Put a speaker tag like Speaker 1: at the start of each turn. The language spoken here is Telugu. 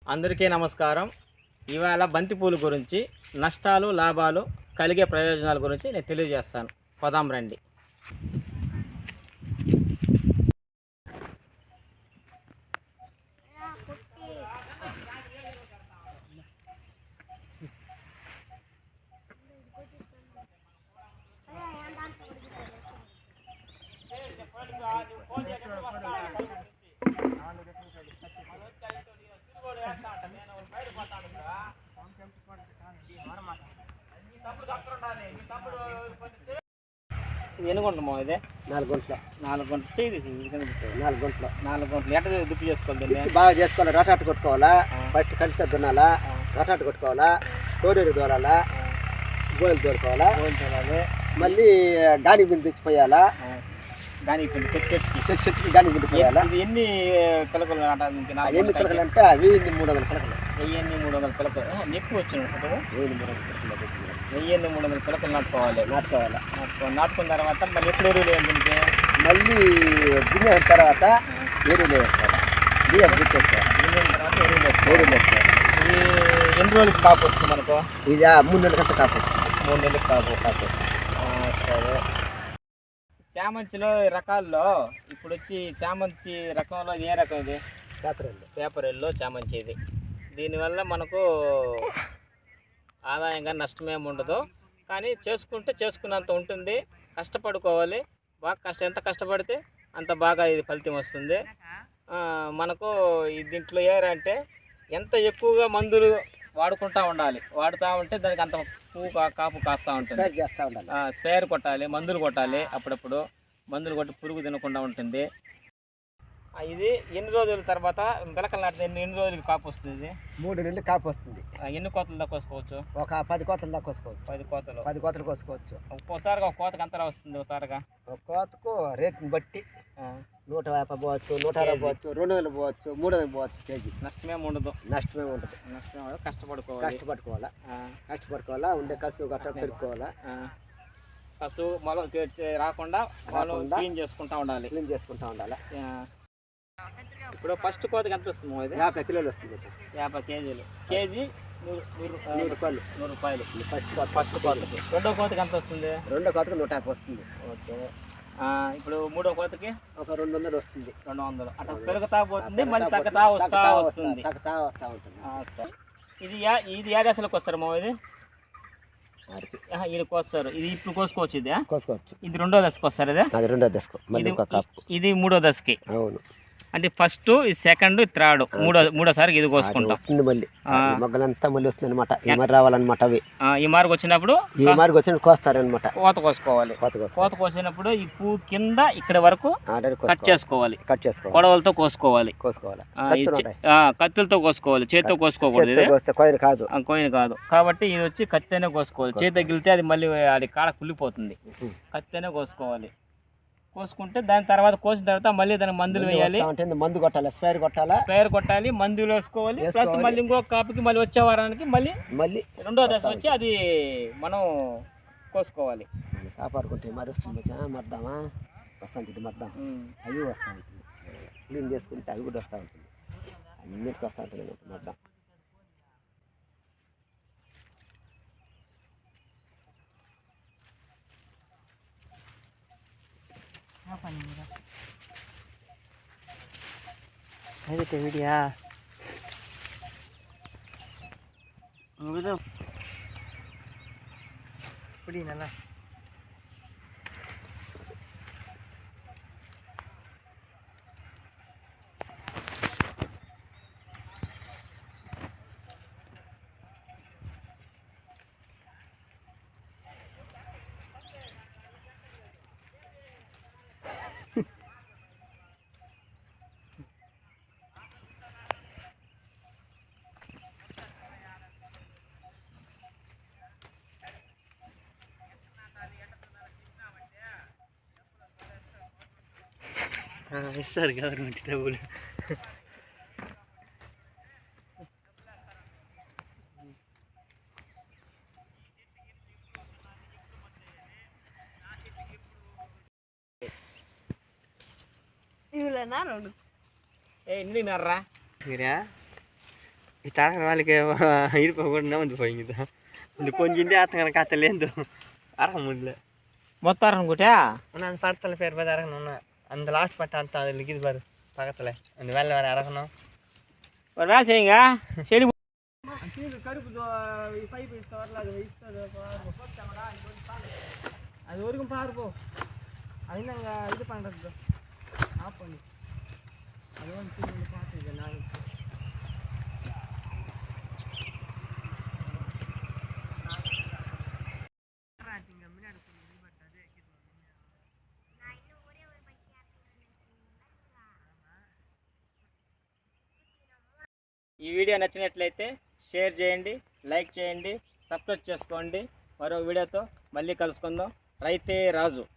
Speaker 1: అందరికీ నమస్కారం. ఇవాళ బంతిపూలు గురించి నష్టాలు లాభాలు కలిగే ప్రయోజనాల గురించి నేను తెలియజేస్తాను. పదాం రండి. ఎన్ని గుంటమో ఇదే
Speaker 2: 4 గుంటలు
Speaker 1: 4 గుంటలు చేయి
Speaker 2: 4 గుంటలు
Speaker 1: 4 గుంటలు ఎట్లా దుక్కి చేసుకోవాలి?
Speaker 2: బాగా చేసుకోవాలి. రటాటు కొట్టుకోవాలా, ఫస్ట్ కలిసి దున్నాలా, రటాటు కొట్టుకోవాలా, కోడేరు దూరాలా, గోయలు దూరుకోవాలా, మళ్ళీ గాని బిందు తెచ్చిపోయాలా.
Speaker 1: గాని పిండి
Speaker 2: చెట్టుకి గాని బిందు పోయాలా.
Speaker 1: ఎన్ని పిలకలు
Speaker 2: ఎన్ని పిలకలు అంటే అవి 300 పిలకలు.
Speaker 1: 1300 పిలకలు ఎక్కువ వచ్చినాయి. 1300 పిలకలు నాటుకోవాలి. నాటుకున్న తర్వాత మళ్ళీ ఎప్పుడు ఎరువులు వేయాలి?
Speaker 2: మళ్ళీ గిన్నె తర్వాత ఎరువులు వేసుకోవాలి. బియ్యం గుర్తేసుకోవాలి.
Speaker 1: గిన్నె తర్వాత ఎరువులు వేసుకోవాలి. ఇది ఎన్ని రోజులకి కాపు వస్తుంది మనకు?
Speaker 2: ఇది 3 నెలలకంతా కాపు వస్తుంది.
Speaker 1: 3 నెలలకి కాపు. సరే. చామంతిలో రకాల్లో ఇప్పుడు వచ్చి చామంతి రకంలో ఏ రకం ఇది? పేపర్ ఎల్లో చామంతి. ఇది దీనివల్ల మనకు ఆదాయంగా నష్టమేమి ఉండదు, కానీ చేసుకున్నంత ఉంటుంది. కష్టపడుకోవాలి బాగా. ఎంత కష్టపడితే అంత బాగా ఇది ఫలితం వస్తుంది మనకు. దీంట్లో ఏరంటే ఎంత ఎక్కువగా మందులు వాడుతూ ఉంటే దానికి అంత పువ్వు కాపు కాస్తూ ఉంటుంది. స్ప్రేయర్ కొట్టాలి, మందులు కొట్టాలి. అప్పుడప్పుడు మందులు కొట్టి పురుగు తినకుండా ఉంటుంది. ఇది ఎన్ని రోజుల తర్వాత పిలకలు నాటితే ఎన్ని రోజులకి కాపు వస్తుంది?
Speaker 2: 3 నెలలు కాపు వస్తుంది.
Speaker 1: ఎన్ని కోతలు దాకా కోసుకోవచ్చు?
Speaker 2: ఒక 10 కోతలు దాకా కోసుకోవచ్చు. 10 కోతలు కోసుకోవచ్చు.
Speaker 1: ఒక కోతకు అంతలా వస్తుంది?
Speaker 2: ఒక కోతకు రేటుని బట్టి 150 పోవచ్చు, 160 పోవచ్చు, 200 పోవచ్చు, 300 పోవచ్చు కేజీ.
Speaker 1: నష్టమేమి ఉండదు.
Speaker 2: కష్టపడుకోవాలా. ఉండే కసు గట్ట పెరుక్కోవాలా.
Speaker 1: కసు మొలం రాకుండా క్లీన్ చేసుకుంటూ ఉండాలి. ఇప్పుడు ఫస్ట్ కోతకి ఎంత వస్తుంది?
Speaker 2: 50 కిలోలు వస్తుంది.
Speaker 1: 50 కేజీలు. కేజీ 100 రూపాయలు. ఫస్ట్ కోతకి. రెండో కోతకి ఎంత వస్తుంది?
Speaker 2: రెండో కోతకి 150 వస్తుంది.
Speaker 1: ఓకే. ఇప్పుడు మూడో కోతకి
Speaker 2: ఒక 200 వస్తుంది.
Speaker 1: 200 అట్లా పెరుగుతా పోతుంది, మళ్ళీ తగ్గుతా వస్తుంది. ఇది ఏ దశలోకి వస్తారు మా? ఇది కోస్తారు. ఇది ఇప్పుడు కోసుకోవచ్చు. ఇది రెండో దశకు వస్తారు. ఇది మూడో దశకి.
Speaker 2: అవును.
Speaker 1: అంటే ఫస్ట్, ఇది సెకండ్, ఇది థర్డ్, మూడోసారికి ఇది కోసుకుంటాం.
Speaker 2: వస్తుంది మళ్ళీ మొగ్గలంతా మళ్ళీ వస్తుంది అనమాట. ఈ మరి రావాలన్నమాట. అవి
Speaker 1: ఈ మార్కు వచ్చినప్పుడు
Speaker 2: కోస్తారనమాట.
Speaker 1: కోత కోసుకోవాలి. కోత కోసినప్పుడు ఈ పువ్వు కింద ఇక్కడ వరకు కట్ చేసుకోవాలి. కొడవలతో కోసుకోవాలి. కత్తులతో కోసుకోవాలి, చేతితో కోసుకోకూడదు. కోయిన కాదు కాబట్టి ఇది వచ్చి కత్తెనే కోసుకోవాలి. చేతి తగిలితే అది మళ్ళీ అది కాడ కుళ్ళిపోతుంది. కత్తెనే కోసుకోవాలి. కోసుకుంటే దాని తర్వాత కోసిన తర్వాత మళ్ళీ దానికి మందులు వేయాలి.
Speaker 2: మందు కొట్టాలి,
Speaker 1: స్ప్రేయర్ కొట్టాలి, మందులు వేసుకోవాలి. ప్లస్ మళ్ళీ ఇంకో కాపుకి మళ్ళీ వచ్చే వారానికి మళ్ళీ రెండో దశ వచ్చి అది మనం కోసుకోవాలి.
Speaker 2: కాపాడుకుంటే మరి వస్తుంది. మర్దామా వస్తుంది. అవి వస్తూ ఉంటుంది. క్లీన్ చేసుకుంటే అవి కూడా వస్తూ ఉంటుంది. అన్నిటికీ వస్తూ ఉంటుంది మర్దాం.
Speaker 1: వీడియా పుడినలా ఇస్తారు గవర్నమెంట్ డబ్బులు.
Speaker 3: ఇవ్వలేనా రెండు
Speaker 1: ఎన్ని నర్రా
Speaker 3: మీరా ಈ ತರ వాళ్ళకి ಇರ್ಪೋకుండా ಒಂದು ಹೋಗಿದ್ದ ಒಂದು ಕೊಂಜಿಂದೆ ಆತಂಗ ಕಾತಲೇಂದು ಆರಾಮುಲ್ಲ
Speaker 1: మొత్తం అనుకుంటా
Speaker 3: ನಾನು ಪಡ್ತಲ್ಲ ಪೇರ್ ಬದ ಅರಗನ அந்த லாஸ்ட் பட்ட அந்த அது லிகிது பாரு பக்கத்துல அந்த வேலை வேற அறகணும்
Speaker 1: ஒரு வேலை செய்யுங்க செடி
Speaker 3: கருப்பு பைப் வரல அது அது வரைக்கும் பாரு போ அது நாங்கள் இது பண்ணுறது ஆஃப் பண்ணி அது வந்து பார்த்துருக்கேன் நான்
Speaker 1: ఈ వీడియో నచ్చినట్లయితే షేర్ చేయండి, లైక్ చేయండి, సబ్స్క్రైబ్ చేసుకోండి. మరో వీడియోతో మళ్ళీ కలుసుకుందాం. రైతే రాజు.